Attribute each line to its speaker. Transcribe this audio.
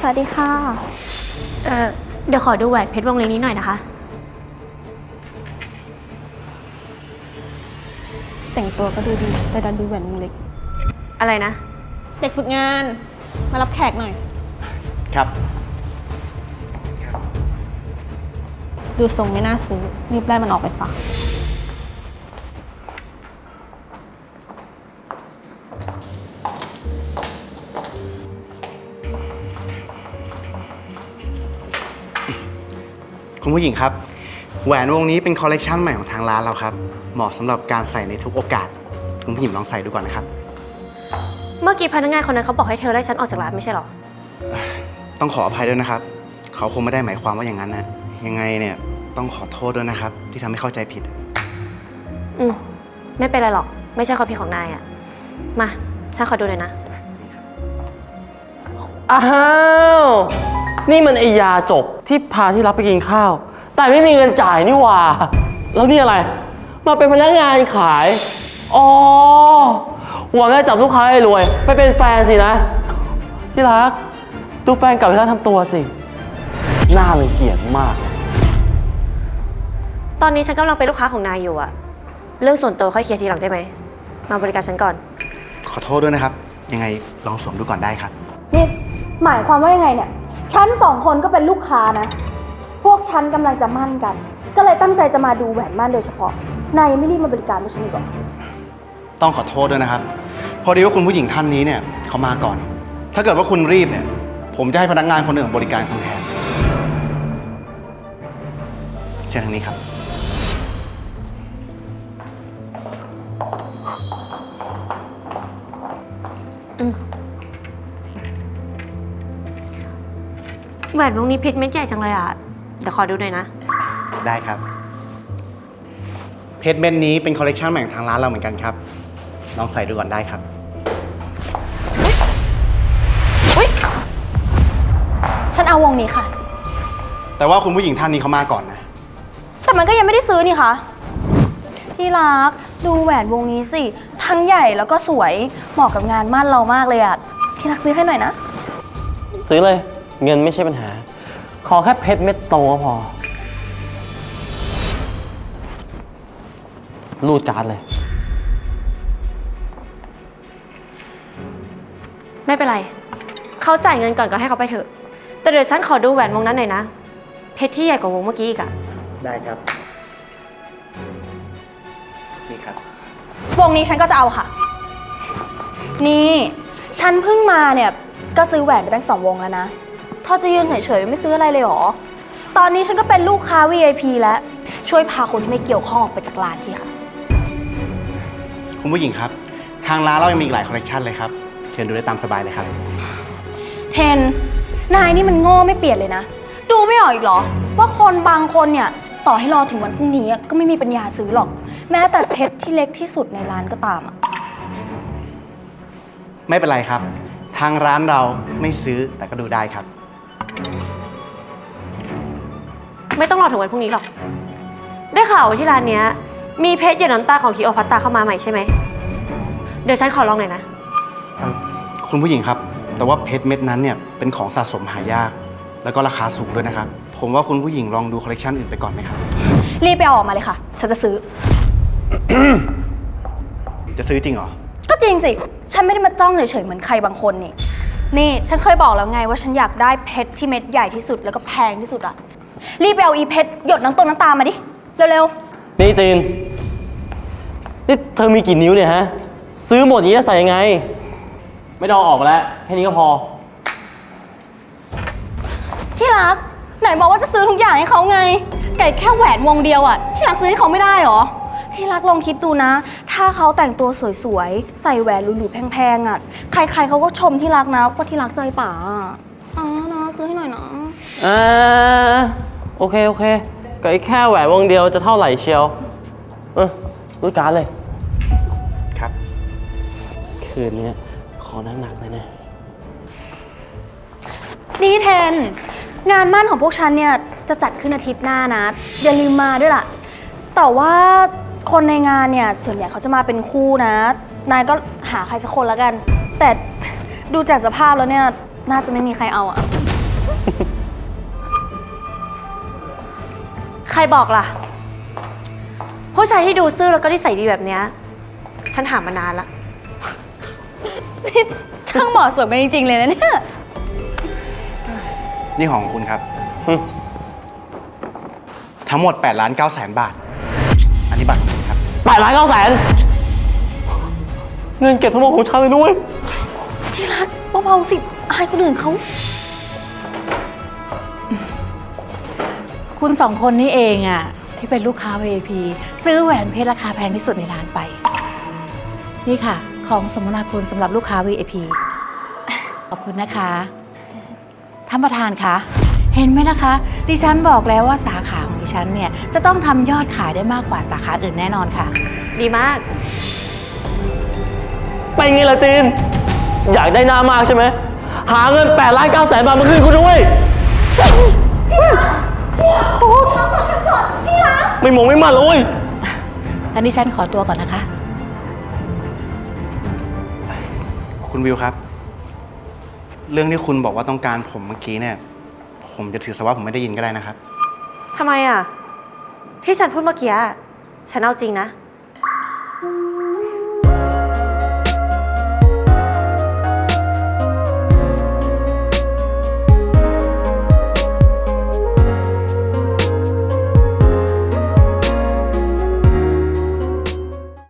Speaker 1: วัสดีค่ะ
Speaker 2: เดี๋ยวขอดูแหวนเพชรวงเล็กนี้หน่อยนะคะ
Speaker 1: แต่งตัวก็ดูดีแต่ดันดูแหวนวงเล็ก
Speaker 2: อะไรนะ
Speaker 1: เด็กฝึกงานมารับแขกหน่อย
Speaker 3: ครับ
Speaker 1: ดูทรงไม่น่าซื้อรีบไล่มันออกไปฝาก
Speaker 3: คุณผู้หญิงครับแหวนวงนี้เป็นคอลเลกชันใหม่ของทางร้านเราครับเหมาะสำหรับการใส่ในทุกโอกาสคุณผู้หญิงลองใส่ดูก่อนนะครับ
Speaker 2: เมื่อกี้พนักงานคนนั้นเขาบอกให้เธอไล่ฉันออกจากร้านไม่ใช่หรอ
Speaker 3: ต้องขออภัยด้วยนะครับเขาคงไม่ได้หมายความว่าอย่างนั้นนะยังไงเนี่ยต้องขอโทษด้วยนะครับที่ทำให้เข้าใจผิด
Speaker 2: ไม่เป็นไรหรอกไม่ใช่ความผิดของนายอะมาฉันขอดูหน่อยนะ
Speaker 4: อ้าวนี่มันไอยาจบที่พาที่รับไปกินข้าวแต่ไม่มีเงินจ่ายนี่หว่าแล้วนี่อะไรมาเป็นพนักงานขายอ๋อหวังจะจับลูกค้าให้รวยไปเป็นแฟนสินะที่รักดูแฟนเก่าที่รักทำตัวสิน่ารังเกียจมาก
Speaker 2: ตอนนี้ฉันกำลังเป็นลูกค้าของนายอยู่อะเรื่องส่วนตัวค่อยเคลียร์ทีหลังได้ไหมมาบริการฉันก่อน
Speaker 3: ขอโทษด้วยนะครับยังไงลองสวมดูก่อนได้ครับ
Speaker 5: นี่หมายความว่ายังไงเนี่ยฉัน2 คนก็เป็นลูกค้านะพวกฉันกำลังจะมั่นกันก็เลยตั้งใจจะมาดูแหวนมั่นโดยเฉพาะนายยังไม่รีบมาบริการด้วยฉันอีกหรอ
Speaker 3: ต้องขอโทษด้วยนะครับพอดีว่าคุณผู้หญิงท่านนี้เนี่ยเขามาก่อนถ้าเกิดว่าคุณรีบเนี่ยผมจะให้พนักงานคนอื่นบริการคุณแทนเชิญทางนี้ครับ
Speaker 2: แหวนวงนี้เพชรเม็ดใหญ่จังเลยอะเดี๋ยวขอดูหน่อยนะ
Speaker 3: ได้ครับเพชรเม็ดนี้เป็นคอลเลกชันใหม่ของทางร้านเราเหมือนกันครับลองใส่ดูก่อนได้ครับ
Speaker 5: ฉันเอาวงนี้ค่ะ
Speaker 3: แต่ว่าคุณผู้หญิงท่านนี้เขามาก่อนนะ
Speaker 5: แต่มันก็ยังไม่ได้ซื้อนี่คะที่รักดูแหวนวงนี้สิทั้งใหญ่แล้วก็สวยเหมาะกับงานมั่นเรามากเลยอะที่รักซื้อให้หน่อยนะ
Speaker 4: ซื้อเลยเงินไม่ใช่ปัญหาขอแค่เพชรเม็ดโตก็พอรูดการ์ดเลย
Speaker 2: ไม่เป็นไรเขาจ่ายเงินก่อนก็ให้เขาไปเถอะแต่เดี๋ยวฉันขอดูแหวนวงนั้นหน่อยนะเพชรที่ใหญ่กว่าวงเมื่อกี้อีกอะ
Speaker 3: ได้ครับนี่ครับ
Speaker 5: วงนี้ฉันก็จะเอาค่ะนี่ฉันเพิ่งมาเนี่ยก็ซื้อแหวนไปตั้ง2 วงแล้วนะถ้าจะยืนเฉยๆไม่ซื้ออะไรเลยหรอตอนนี้ฉันก็เป็นลูกค้า VIP แล้วช่วยพาคนที่ไม่เกี่ยวข้องออกไปจากร้านทีค่ะ
Speaker 3: คุณผู้หญิงครับทางร้านเรายังมีอีกหลายคอลเลกชันเลยครับเชิญดูได้ตามสบายเลยครับ
Speaker 5: เฮนนายนี่มันโง่ไม่เปลี่ยนเลยนะดูไม่ออกอีกเหรอว่าคนบางคนเนี่ยต่อให้รอถึงวันพรุ่งนี้ก็ไม่มีปัญญาซื้อหรอกแม้แต่เพชรที่เล็กที่สุดในร้านก็ตาม
Speaker 3: ไม่เป็นไรครับทางร้านเราไม่ซื้อแต่ก็ดูได้ครับ
Speaker 2: ไม่ต้องรอถึงวันพรุ่งนี้หรอกได้ข่าวว่าที่ร้านเนี้ยมีเพชรหยดน้ำตาของคิโอพัตตาเข้ามาใหม่ใช่ไหมเดี๋ยวฉันขอลองหน่อยนะ
Speaker 3: คุณผู้หญิงครับแต่ว่าเพชรเม็ดนั้นเนี่ยเป็นของสะสมหายากแล้วก็ราคาสูงด้วยนะครับผมว่าคุณผู้หญิงลองดูคอลเลกชันอื่นไปก่อนไหมครับ
Speaker 5: รีบไปเอาออกมาเลยค่ะฉันจะซื้อ
Speaker 3: จะซื้อจริงเหรอ
Speaker 5: ก็จริงสิฉันไม่ได้มาจ้องเฉยๆเหมือนใครบางคนนี่ฉันเคยบอกแล้วไงว่าฉันอยากได้เพชรที่เม็ดใหญ่ที่สุดแล้วก็แพงที่สุดอะรีบไปเอาอีเพชรหยดน้ำตามาดิเร็ว
Speaker 4: ๆนี่จีนนี่เธอมีกี่นิ้วเนี่ยฮะซื้อหมดอย่างนี้จะใส่ยังไงไม่ต้องออกแล้วแค่นี้ก็พอ
Speaker 5: ที่รักไหนบอกว่าจะซื้อทุกอย่างให้เขาไงไก่แค่แหวนวงเดียวอะที่รักซื้อให้เขาไม่ได้หรอที่รักลองคิดดูนะถ้าเขาแต่งตัวสวยๆใส่แหวนหรูๆแพงๆอะใครๆเขาก็ชมที่รักนะว่าที่รักใจป่านะซื้อให้หน่อยนะ
Speaker 4: โอเคก็แค่แหวนวงเดียวจะเท่าไหร่เชียวรูดการ์ดเลย
Speaker 3: ครับ
Speaker 4: คืนนี้ขอหนักๆเลยนะ
Speaker 5: นี่เทนงานมั่นของพวกฉันเนี่ยจะจัดขึ้นอาทิตย์หน้านะอย่าลืมมาด้วยล่ะแต่ว่าคนในงานเนี่ยส่วนใหญ่เขาจะมาเป็นคู่นะนายก็หาใครสักคนแล้วกันแต่ดูจากสภาพแล้วเนี่ยน่าจะไม่มีใครเอา
Speaker 2: ใครบอกล่ะ ผู้ชายที่ดูซื่อแล้วก็นิสัยดีแบบเนี้ยฉันหามานานละ
Speaker 5: นี่ช่างเหมาะสมกันจริงๆเลยนะเนี่ย
Speaker 3: นี่ของคุณครับ ทั้งหมด8,900,000 บาท อันนี้บัตรของคุณครับ
Speaker 4: 8,900,000เงินเก็บทั้งหมดของฉันเลยด้วย
Speaker 5: ที่รักเบาๆสิอายคนอื่นเขา
Speaker 6: คุณสองคนนี่เองอะที่เป็นลูกค้า VIP ซื้อแหวนเพชรราคาแพงที่สุดในร้านไป นี่ค่ะ ของสมนาคุณสำหรับลูกค้า VIP ขอบคุณนะคะท่านประธานคะเห็นไหมล่ะคะดิฉันบอกแล้วว่าสาขาของดิฉันเนี่ยจะต้องทำยอดขายได้มากกว่าสาขาอื่นแน่นอนค่ะ
Speaker 2: ดีมาก
Speaker 4: เป็นไงล่ะจีน อยากได้หน้ามากใช่ไหม หาเงิน8,900,000 บาทมาคืนคุณด้วยไม่มองไม่มาเลย
Speaker 6: งั้นดิฉันขอตัวก่อนนะคะ
Speaker 3: คุณวิวครับ เรื่องที่คุณบอกว่าต้องการผมเมื่อกี้เนี่ย ผมจะถือซะว่าผมไม่ได้ยินก็ได้นะครับ
Speaker 2: ทำไมอ่ะ ที่ฉันพูดเมื่อกี้ฉันเอาจริงนะ